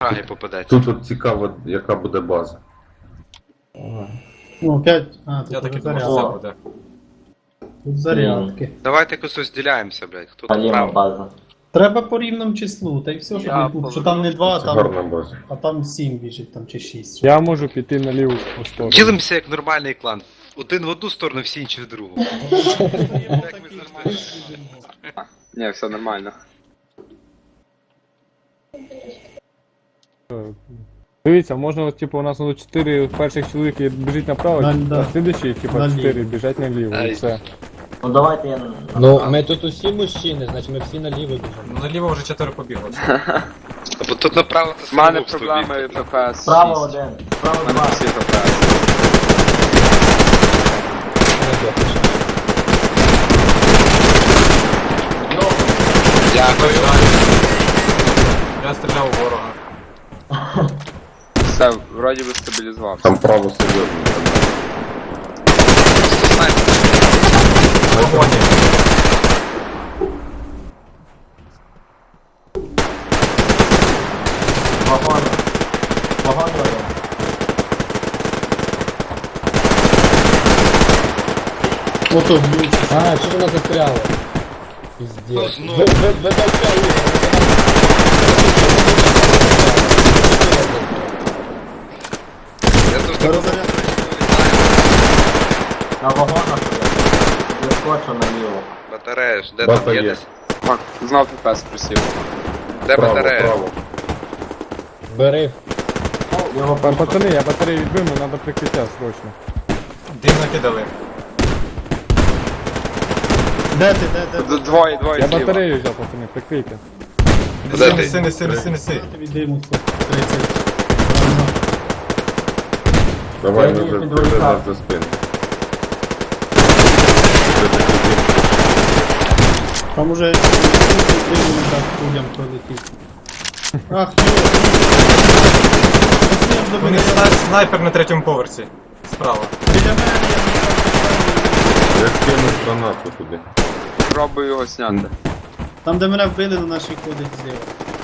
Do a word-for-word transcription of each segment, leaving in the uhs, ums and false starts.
Праги попадеться. Тут от цікаво, яка буде база. Ну, опять. А, тут Я уже так і думав, що зарядки. це буде. Тут зарядки. Давайте якось розділяємося, блядь. Хто там Паліма право? база. Треба по рівному числу, та й все, щоб Я не було. Що там не два, а Це там, гарна база. а там сім біжить, там чи шість. Я можу піти на ліву сторону. Ділимося як нормальний клан. Один в одну сторону, всі інші в другу. Як ми завжди. Ні, все нормально. Дивіться, можна, от, типу, у нас тут чотири перших чоловіки біжить направо, Да, да. а слідчі, типу, Наліво. чотири біжать наліво, Ай. і все. Ну давайте я... на- Ну, ми тут усі мужчини, значить ми всі наліво біжимо. Ну, наліво вже чотири побігло. Бо тут направо це У мене самогубство проблеми бігти. ППС Справа шість. один, справа У мене два. всі ППС. Дякую. Я стріляв у ворога. Все, вроді би стабілізувався. Там право серйозно. В вагоні. Вагон. Вагон один. Ото б'ють. А, що вона застряла? Ну, Піздець. знову. Ви, ви, ви дайте Ігор, Я тут Зараз зарядка. На вагонах я скочу наліво. Батарея ж, де Бата там є є. десь? Фак, знов ППС просів. Де Право, батарея? право. бери. Його Па- Пацани, я батарею відбив, але треба прикриття срочно. Дим накидали. Де ти, де, де? Д- Двоє, двоє Я зліва. батарею взяв, пацани, прикрийте. Де Неси, ти? неси, неси, неси, неси. Я тобі диму сто тридцять. Давай, Я ми їх вже підволікав. держи нас за спину. Це такий дим. Там уже диму не так людям пролетів. Ах, йо. Пацанів до У мене. них сна- снайпер на третьому поверсі. Справа. Біля мене, я не Я скину гранату туди. Пробую його зняти. Там, де мене вбили, на нашій ходить зліва.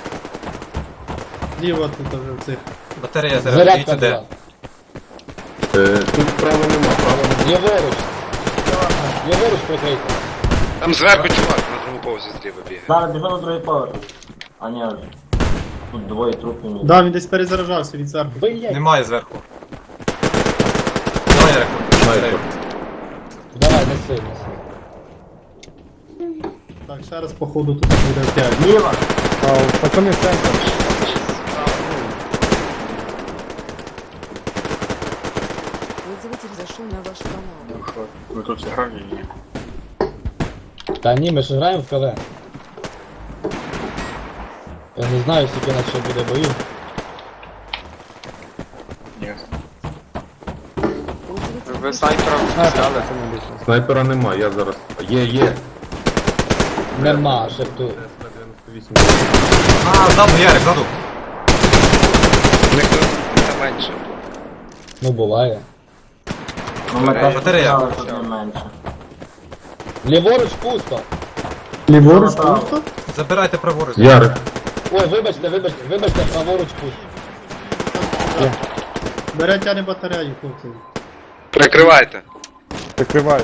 Зліва тут вже в цих. Батарея зараз. Зарядка Дивіться де. була. Е, тут права нема, права нема. Ліворуч. Ліворуч прикрийте. Там зверху чувак на другому повзі зліва бігає. Зараз біжу на другий поверх. А ні, тут двоє трупів. ні. Да, він десь перезаражався від зверху. Блять. Немає зверху. Давай, Ярику. Снайпер. Давай, неси, неси. Так, ще раз походу тут буде опять. Ліва. А, пацани, центр. Пользователь зашел на ваш канал. Ви тут зіграли? Та ні, ми ж граємо в КВ. Я не знаю, скільки нас ще буде боїв. Пользователь Ви снайпера А, так, взяли? пацани, більше. Снайпера нема, я зараз... Є, є. Нема, ще тут. дев'яносто вісім. А, ззаду, Ярик, ззаду. У них тут не менше. Ну буває. Ну ми теж Батарея. починали, тут не менше. Ліворуч пусто. Ліворуч Направо. пусто? Забирайте праворуч. Ярик. Ой, вибачте, вибачте, вибачте, праворуч пусто. Бере тяне батарею, хлопці. Прикривайте. Прикриваю.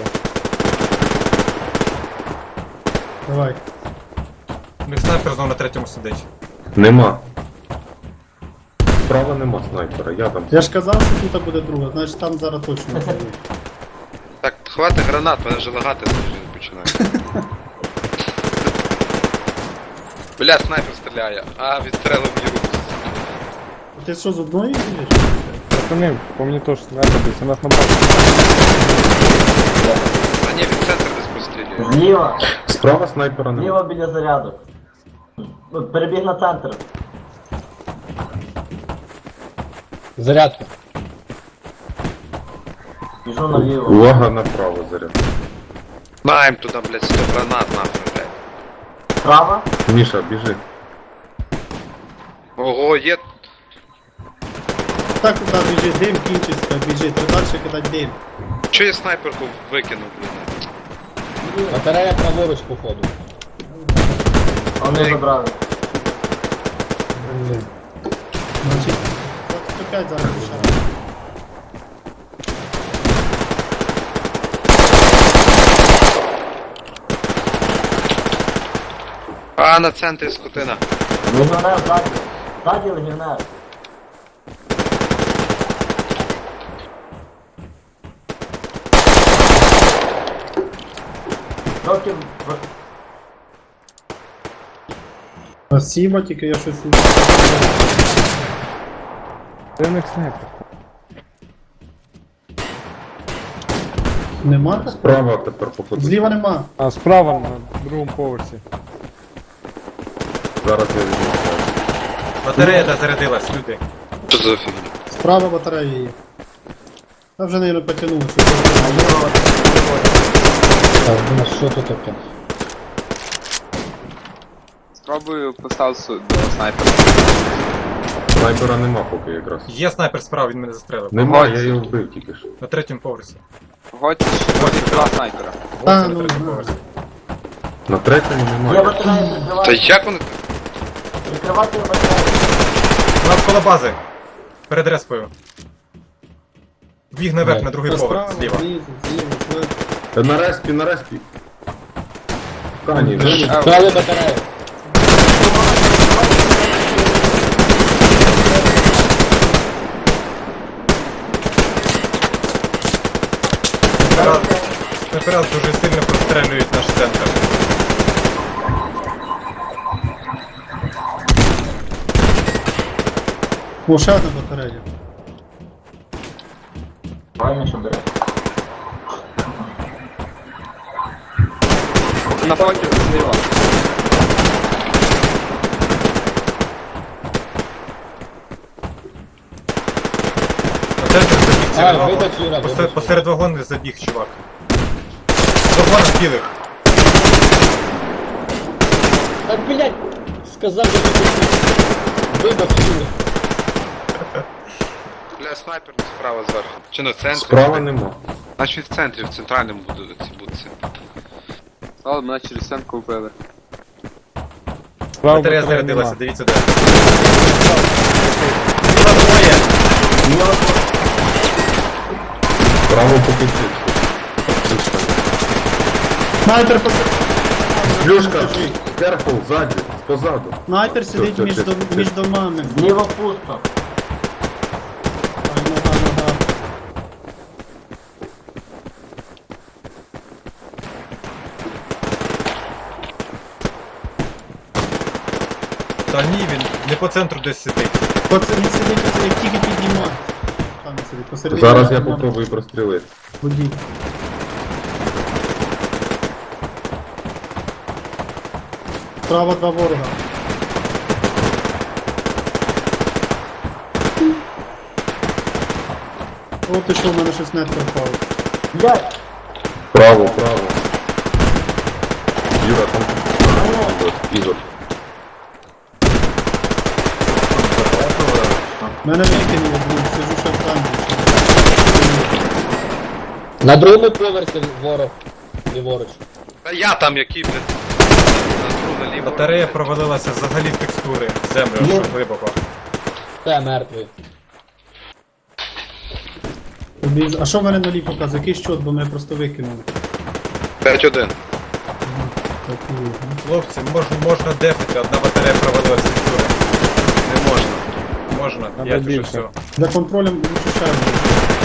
Давай. У них снайпер знову на третьому сидить. Нема. Справа нема снайпера, я там. Я ж казав, що тут буде друга, значить там зараз точно буде. Так, хватить гранат, мене вже лагати вже починає. Бля, снайпер стріляє, а відстрелив мені руку. Ти що, з одної їдеш? Пацани, по мені теж снайпер десь, у нас на базі. А ні, від центру десь пострілює. Зліва. Справа снайпера нема. Зліва біля зарядок. Ну, перебіг на центр. Зарядка. Біжу наліво. Увага направо заряд. Маємо туди, блядь, сто гранат нахуй, блядь. Справа. Міша, біжи. Ого, є. Так, туди біжи, дим кінчиться, біжи, треба далі кидати дим. Чого я снайперку викинув, блядь? Батарея праворуч походу. Вони забрали. Значить, двадцять п'ять зараз лишаємо. А, на центрі скотина. Легіонер ззаді. Ззаді легіонер. Трохи в- Спасибо, тільки я щось... Це не снайпер. Нема? Справа тепер походу. Зліва нема. А справа на другому поверсі. Зараз я візьму. Батарея дозарядилась, люди. Що за фігня? Справа батарея є. Та вже, наверное, потягнуло. Так, ну що тут таке? Спробую поставити су- до снайпера. Снайпера нема поки якраз. Є снайпер справа, він мене застрелив. Нема, я його вбив тільки що. На третьому поверсі. Готь, готь два снайпера. Ось А, це ну, на третьому ну. поверсі. На третьому Є немає. батарея, Та прикривати. як вони? Прикривати батарею. Навколо бази. Перед респою. Біг наверх Де? на другий Та поверх, справа, зліва. знизу, зліва, зліва. Та на респі, на респі. Кані, Де? ну, Вкрали батарею. Снайпера снайпера дуже сильно прострелюють наш центр. О, ще одна батарея. Правильно, що бере. На фоті зліва. На центр забіг А, серед вагон. вибач, Юра, Посеред, вибач. посеред вагону забіг, чувак. Вагон білих. Так, блядь, сказав, що ти вибач, Юра. Бля, снайпер справа зверху. Чи на центрі? справа нема. Значить в центрі, в центральному будуть ці будці. Але мене через стінку вбили. Справа Батарея батареї зарядилася, нема. дивіться де. Зліва двоє. Справа поки чисто. Снайпер посеред. Плюшка, керфул, ззаді, позаду. Снайпер сидить Все, між, все, дом, все. між домами. Зліва пусто. Ай, нога, нога. Та ні, він не по центру десь сидить. Оце він сидить, оце як тільки піднімає. Там він сидить, посередині. Зараз я домами. попробую прострілити. Водій. Справа два ворога. О, ти що, в мене щось нетко впало. Блядь, Право, право. Юра, там. Ігор, Ігор. Мене викинуло, блін, сижу ще в камері. На другому поверсі ворог. Ліворуч. Та я там який, блядь. На другу, наліво. Батарея провалилася взагалі в текстури. В землю Ну. аж глибоко. Та мертвий. Побіж- А що в мене на лі показує? Який щот, бо мене просто викинули. п'ять один. Так, і є, ну. Хлопці, можна, можна дефати, одна батарея провалилася в текстури. Не можна. Можна, Надо я вже більше. все. Для контролем лучше ще один.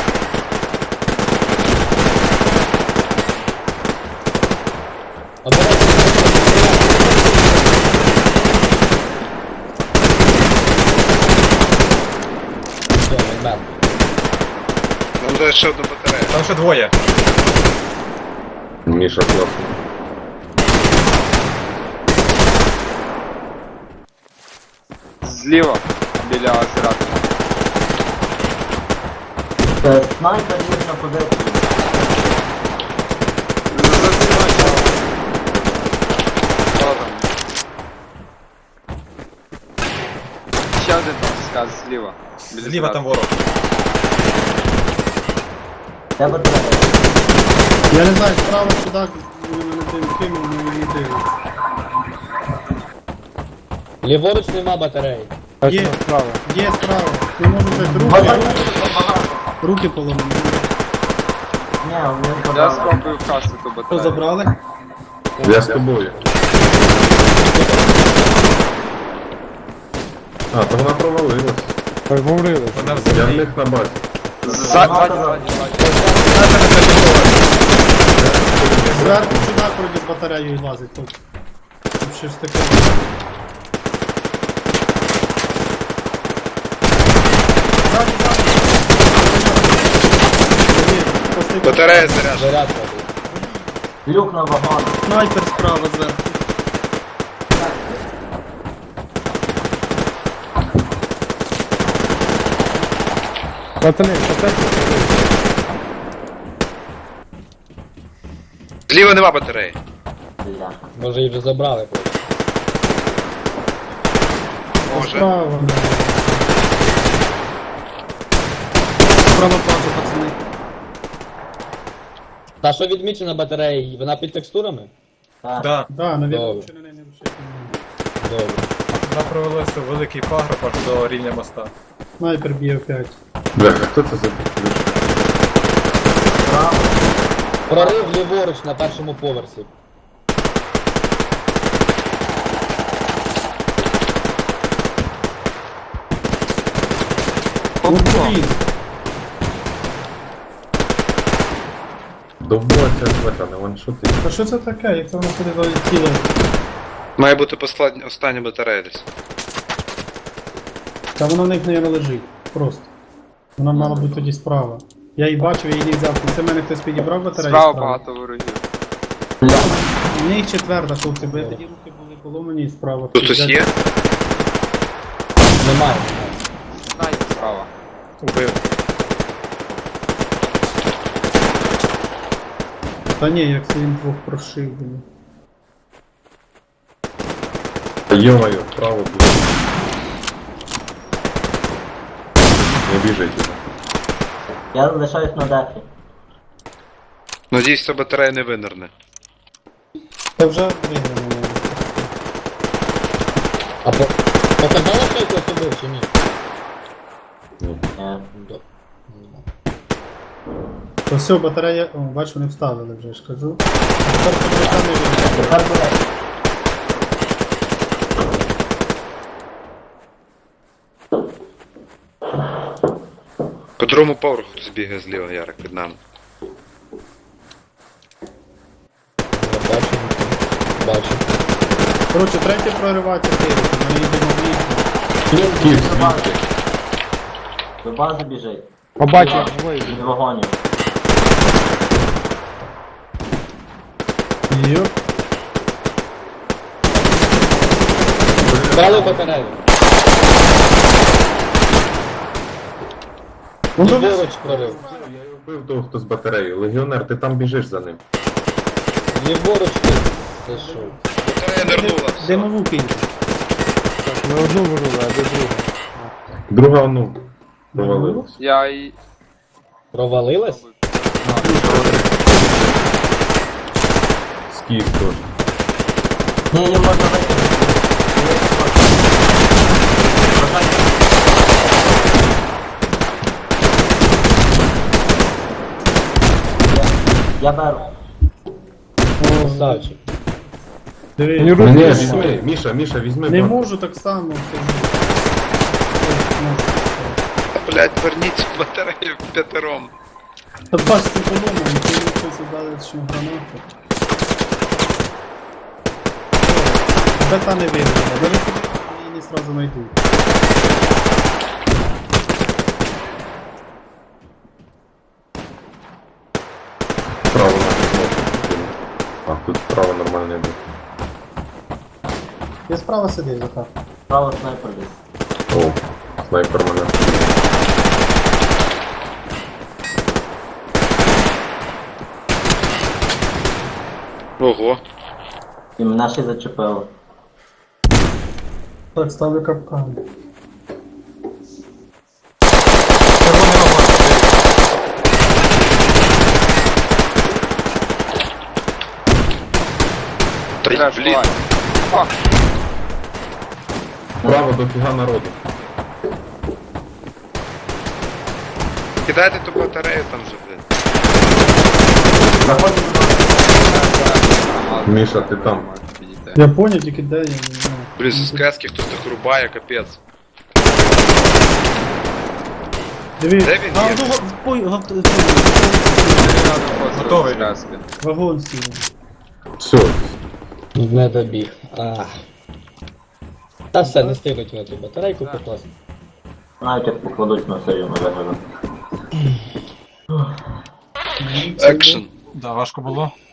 Все, він мертвий. Нам буде ще одна батарея. Там ще двоє. Міша класно. Зліва, біля озератора. це снайпер є на позиції. Ще один там сказ зліва. Біля Зліва там озератора. ворог. Де батарея? Я не знаю, справа сюди вони мене тим кинули, але не дивиться. Ліворуч нема батареї. Є. Справа. Є справа. Не можу взяти руки. Базар. Руки поломані. Ні, вони Я забрали. спробую вкрасти ту Хто батарею. забрали? Я з тобою. А, то вона провалилась. Так говорили. Вона в Я в землі. них на базі. Ззаді, ззаді, ззаді. Зверху чудак вроді з батареєю лазить тут. Тут щось таке. Ззаді, ззаді. Є, постійно. Батарея заряджена. Зарядка. блядь. Люк на вагон. Снайпер справа зверху. Пацани, пацани. Зліва нема батареї. Бля. Може її вже забрали просто. Може. Справа. да. Справа пазу, пацани. Та що відмічена батарея? Вона під текстурами? Так. Да, Да, навіть Добре. чи не не вшити. Добре. вона провалилася в великий пагорб аж до рівня моста. Снайпер б'є опять. Бля, хто це за... Прорив ліворуч на першому поверсі. Ну, блін. Довбоця звета, не ваншоти. Та що це таке? Як це воно сюди залетіло? Має бути послад... остання батарея десь. Та вона в них не лежить. Просто. Вона мала бути тоді справа. Я її бачив, я її не взяв. Це в мене хтось підібрав батарею Справа багато ворогів. У них четверта, хлопці, бо тоді руки були поломані і справа. Тут хтось є? Немає. Знайте справа. Убив. Та ні, як це він двох прошив. блін. Йо-моє, вправо буде. Не біжайте. Я лишаюсь на дефі. Надіюсь, ця батарея не винирне. Та вже виграно. А по... показало, що якось убив чи ні? Ні. Ні. До- То все, батарея. О, бачу, вони вставили вже, я ж кажу. А тепер подивися, не виграно. Тепер буде. По другому поверху хтось бігає зліва, Ярик, під нами. Я бачу. Бачу. Коротше, третє проривається Київ. Ми йдемо в ліс. Київ, До бази. звідки? До бази біжить. Побачив. Від вагонів. Йоп. Брали батарею. Ну, то Ліворуч прорив. Я його вбив того, хто з батареєю. Легіонер, ти там біжиш за ним. Ліворуч ти. Це що? Батарея нирнула. димову кинь. Так, не одну вирили, а де другу. Друга, ну, провалилась. Я і... Провалилась? Скіф теж. Ні, їм можна вийти. Я беру. Красавчик. Диви. Мені Ні, руки. візьми, Міша, Міша, візьми. Не бак. можу так само. це ж. Блять, верніть цю батарею п'ятером. Та бач, це поломано, ти хтось дали ще гранату. Бета не виграла, даже собі її не сразу знайду. Право на кнопку. А, тут право нормально не буде. Я справа сидів, Захар. Право снайпер десь. О, снайпер мене. Ого. І мене ще зачепило. Так, ставлю капкан. Червоний вагон. Та й, Треш, блін. Фак. Право до фіга народу. Кидайте ту батарею там же, блин. Заходь. Міша, ти там. Я понял, тільки де я не знаю. Блін, з сказки хтось так рубає, капець. Диви, Де він а, є? ну, га- пой- га- Готовий. вагон сів. Все. Не добіг. А. Та все, не стигнуть на ту батарейку покласти. Навіть як покладуть на серію, не виглядає. Екшн. Да, важко було.